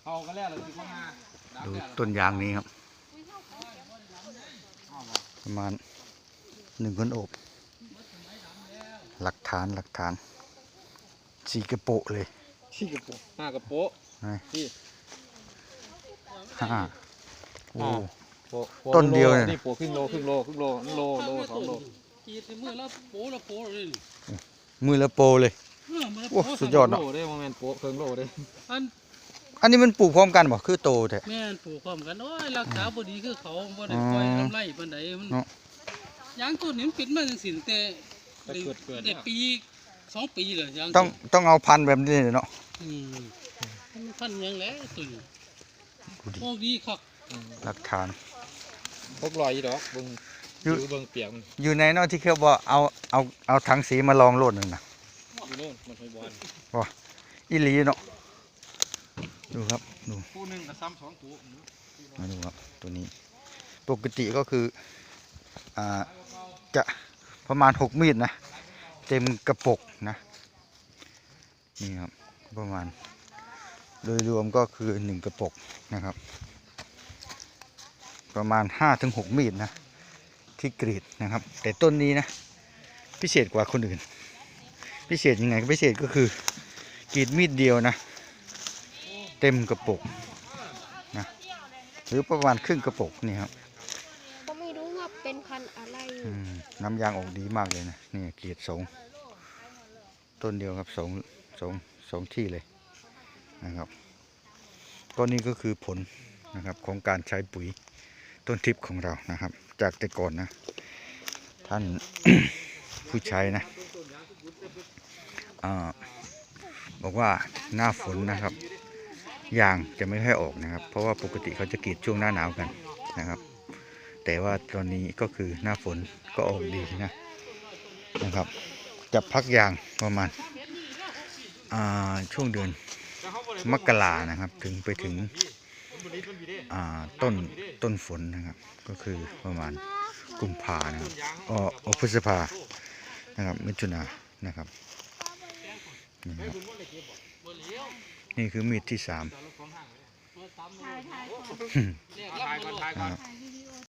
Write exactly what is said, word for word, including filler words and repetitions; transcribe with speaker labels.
Speaker 1: ดูต้นยางนี้ครับประมาณหนึ่งคนโอบหลักฐานหลักฐานสีกระโปะเลย
Speaker 2: สีกระโปะห้ากระโปะ
Speaker 1: ห้าโอ้ต้นเดียวเลย
Speaker 2: นี่โปะครึ่งโลครึ่งโลครึ่งโลโลโลสองโล
Speaker 3: กีดมือละโปละโปเลย
Speaker 1: มือละโปเลยโอ้สุดยอดเนาะ
Speaker 2: โลได้โมเมนต์โปะครึ่งโลได้
Speaker 3: อัน
Speaker 1: อันนี้มันปลูกพร้อมกันบ่คือโตแต่
Speaker 3: แม่นปลูกพร้อมกันโอ้ยรักษาบ่ดีคือเขาบ่ได้ปล่อยทำไรปานใดมันยางต้นนี้มันปิดมาจังซี่แต่ได้ปีสองปีเลยยาง
Speaker 1: ต้องต้องเอาพันธุ์แบบนี้เนาะ
Speaker 3: อืมพันธุ์ยังแหละตุ่นโอ้ดีครับ
Speaker 1: หลักฐาน
Speaker 2: พกรอยดอกเบิ่งอยู่เบิ่งเปียก
Speaker 1: อยู่ในเนาะที่เขาบอกเอาเอาเอาถังสีมาลองโลดนึงนะ
Speaker 2: อยู่โน่นมันไฟบอล
Speaker 1: ว้าอีหลีเนาะดูครับดู
Speaker 2: คู่หนึ่งกับซ้ำสองตัว
Speaker 1: มาดูครับตัวนี้ปกติก็คืออ่าจะประมาณหกมีดนะเต็มกระปุกนะนี่ครับประมาณโดยรวมก็คือหนึ่งกระปุกนะครับประมาณห้าถึงหกมีดนะที่กรีดนะครับแต่ต้นนี้นะพิเศษกว่าคนอื่นพิเศษยังไงก็พิเศษก็คือกรีดมีดเดียวนะเต็มกระปุกนะหรือประมาณครึ่งกระปุกนี่ครับ
Speaker 4: ก็ไม่รู้ว่าเป็นพันธุ์อะไร
Speaker 1: น้ำยางออกดีมากเลยนะนี่กรีดสองต้นเดียวครับสองสองสองที่เลยนะครับก็นี่ก็คือผลนะครับของการใช้ปุ๋ยต้นทิพย์ของเรานะครับจากแต่ก่อนนะท่าน ผู้ใช้นะอ่าบอกว่าหน้าฝนนะครับยางจะไม่ค่อยออกนะครับเพราะว่าปกติเขาจะกรีดช่วงหน้าหนาวกันนะครับแต่ว่าตอนนี้ก็คือหน้าฝนก็ออกดีนะนะครับจะพักยางประมาณอ่าช่วงเดือนมกรานะครับถึงไปถึงอ่าต้นต้นฝนนะครับก็คือประมาณกุมภานะครับอ๋อพฤษภานะครับมิถุนานะครับนี่ครับนี่คือมีดที่สามนะครับ